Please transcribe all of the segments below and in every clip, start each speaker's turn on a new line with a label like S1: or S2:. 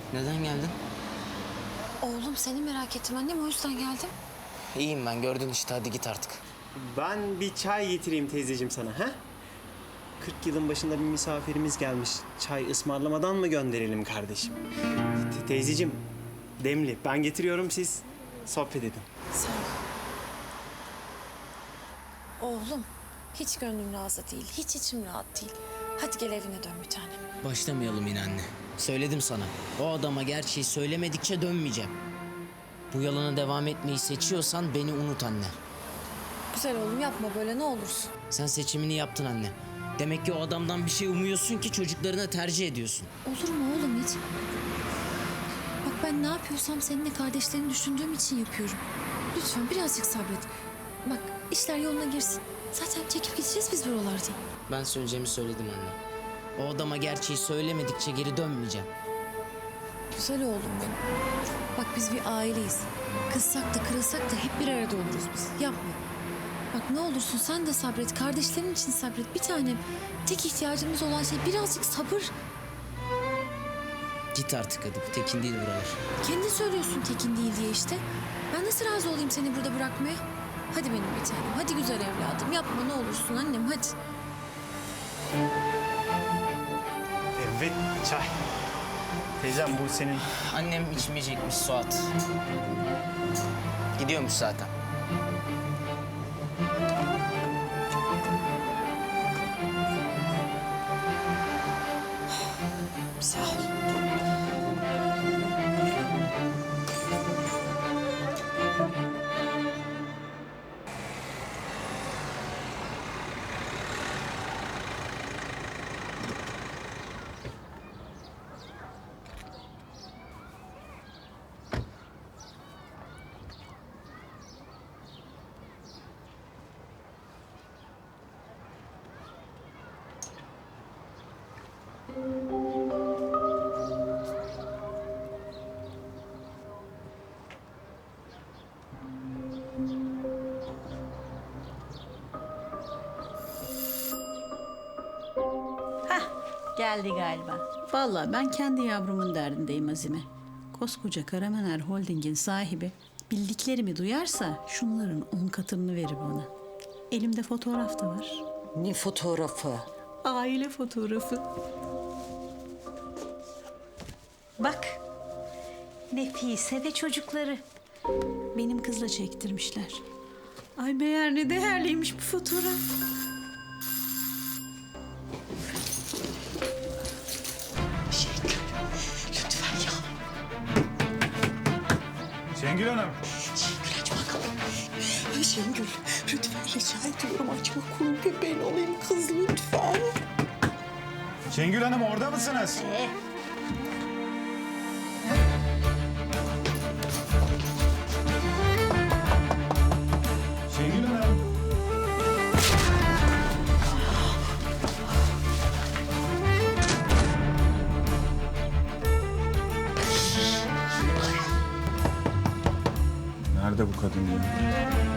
S1: Neden geldin?
S2: Oğlum seni merak ettim annem, o yüzden geldim.
S1: İyiyim ben, gördün işte, hadi git artık.
S3: Ben bir çay getireyim teyzeciğim sana, ha? 40 yılın başında bir misafirimiz gelmiş. Çay ısmarlamadan mı gönderelim kardeşim? Teyzeciğim, demli. Ben getiriyorum, siz sohbet edin.
S2: Sağ ol. Oğlum hiç gönlüm razı değil, hiç içim rahat değil. Hadi gel evine dön bir tanem.
S1: Başlamayalım yine anne. Söyledim sana, o adama gerçeği söylemedikçe dönmeyeceğim. Bu yalana devam etmeyi seçiyorsan beni unut anne.
S2: Güzel oğlum, yapma böyle ne olursun.
S1: Sen seçimini yaptın anne. Demek ki o adamdan bir şey umuyorsun ki çocuklarına tercih ediyorsun.
S2: Olur mu oğlum hiç? Bak ben ne yapıyorsam seninle kardeşlerini düşündüğüm için yapıyorum. Lütfen birazcık sabret. Bak işler yoluna girsin. Zaten çekip gideceğiz biz buralardan.
S1: Ben söyleyeceğimi söyledim anne. O adama gerçeği söylemedikçe geri dönmeyeceğim.
S2: Güzel oğlum benim. Bak biz bir aileyiz. Kızsak da kırılsak da hep bir arada oluruz biz. Yapma. Bak ne olursun sen de sabret. Kardeşlerin için sabret. Bir tanem. Tek ihtiyacımız olan şey birazcık sabır.
S1: Git artık hadi, bu tekin değil buralar.
S2: Kendin söylüyorsun tekin değil diye işte. Ben nasıl razı olayım seni burada bırakmaya? Hadi benim bir tanem. Hadi güzel evladım. Yapma ne olursun annem hadi.
S3: Evet, çay. Teyzem bu senin.
S1: Annem içmeyecekmiş Suat. Gidiyormuş zaten.
S2: Sağ ol.
S4: Geldi galiba. Vallahi ben kendi yavrumun derdindeyim Azime. Koskoca Karamener Holding'in sahibi bildiklerimi duyarsa şunların 10 katını verir bana. Elimde fotoğraf da var.
S5: Ne fotoğrafı?
S4: Aile fotoğrafı. Bak. Nefise ve çocukları. Benim kızla çektirmişler. Ay meğer ne değerliymiş bu fotoğraf.
S5: Lütfen ya.
S6: Şengül Hanım.
S5: Şengül aç bakalım. Şengül lütfen rica ediyorum açma, kulun köpeğin olayım kız lütfen.
S6: Şengül Hanım orada mısınız? Şengül Hanım. Nerede bu kadın ya?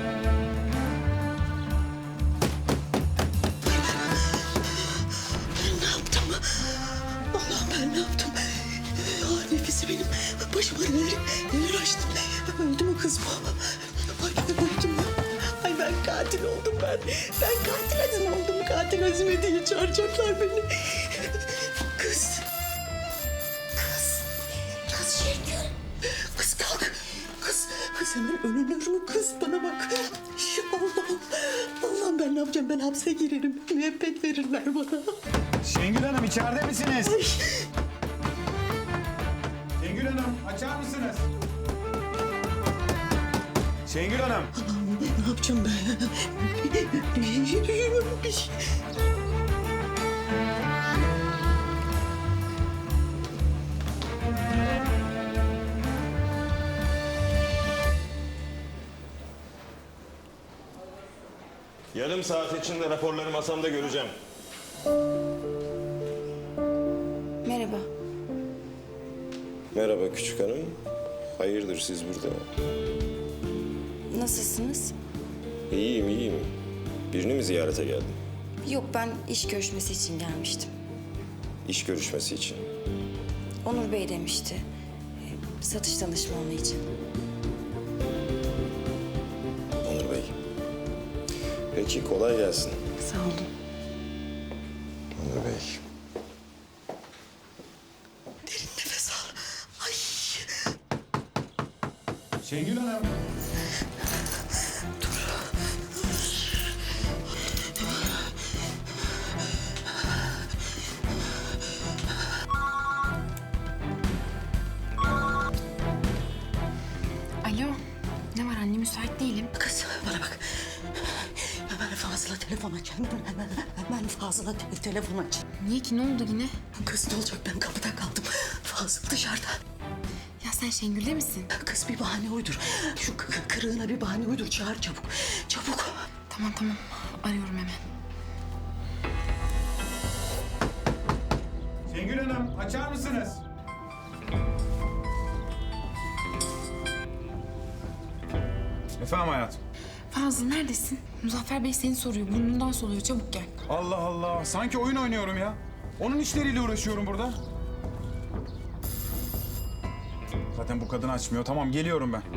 S5: Ben ne yaptım? Allah'ım ben ne yaptım? Ya nefisi benim başıma neler açtı. Öldü mü kız bu? Ay öldü mü? Ay ben katil oldum ben. Ben katil Azime oldum. Katil Azime diye çağıracaklar beni. Kız. Kız. Kız Şengül. Kız kalk. Kız hemen ölünür mü kız? Bana bak. Allah'ım. Allah'ım ben ne yapacağım? Ben hapse girerim. Müebbet verirler bana.
S6: Şengül Hanım içeride misiniz?
S5: Ay.
S6: Şengül Hanım açar mısınız? Şengül Hanım.
S5: Ne yapacağım ben? Bir şey.
S7: Yarım saat içinde raporları masamda göreceğim.
S2: Merhaba.
S7: Merhaba küçük hanım. Hayırdır siz burada?
S8: Nasılsınız?
S7: İyiyim, iyiyim. Birini mi ziyarete geldin?
S8: Yok, ben iş görüşmesi için gelmiştim.
S7: İş görüşmesi için.
S8: Onur Bey demişti. Satış danışmanlığı için.
S7: Onur Bey. Peki kolay gelsin.
S8: Sağ olun.
S7: Onur Bey.
S5: Derin nefes al. Ay.
S6: Şengül Hanım.
S9: Alo, ne var anne? Müsait değilim.
S5: Kız bana bak. Hemen Fazıl'a telefon aç. Hemen Fazıl'a telefon aç.
S9: Niye ki? Ne oldu yine?
S5: Kız ne olacak, ben kapıda kaldım. Fazıl dışarıda.
S9: Ya sen Şengül'de misin?
S5: Kız bir bahane uydur. Şu kırığına bir bahane uydur. Çağır çabuk. Çabuk.
S9: Tamam. Arıyorum hemen.
S6: Şengül Hanım açar mısınız? Efendim hayatım.
S9: Fazıl neredesin? Muzaffer Bey seni soruyor. Burnundan soluyor. Çabuk gel.
S6: Allah Allah. Sanki oyun oynuyorum ya. Onun işleriyle uğraşıyorum burada. Zaten bu kadın açmıyor. Tamam geliyorum ben.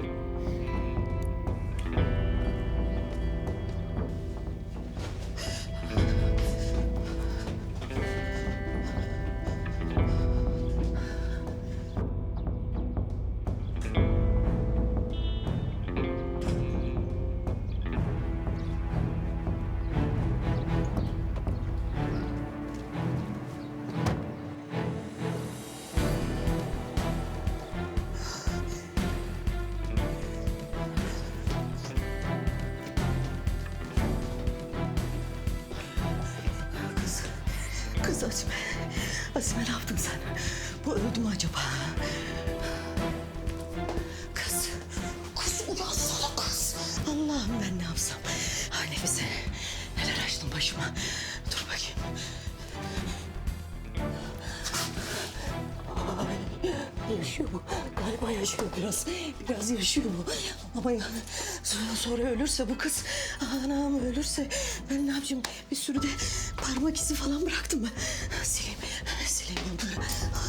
S5: Kız Azime. Azime ne yaptın sen? Bu öldü mü acaba? Kız. Kız uyansana kız. Allah'ım ben ne yapsam? Ay Nefise. Neler açtın başıma. Dur bakayım. Ay, yaşıyor bu. Galiba yaşıyor biraz. Biraz yaşıyor bu. Ama yani sonra ölürse bu kız. Anam ölürse ben ne yapacağım? Bir sürü de parmak izi falan bıraktım ben. Sileyim onları.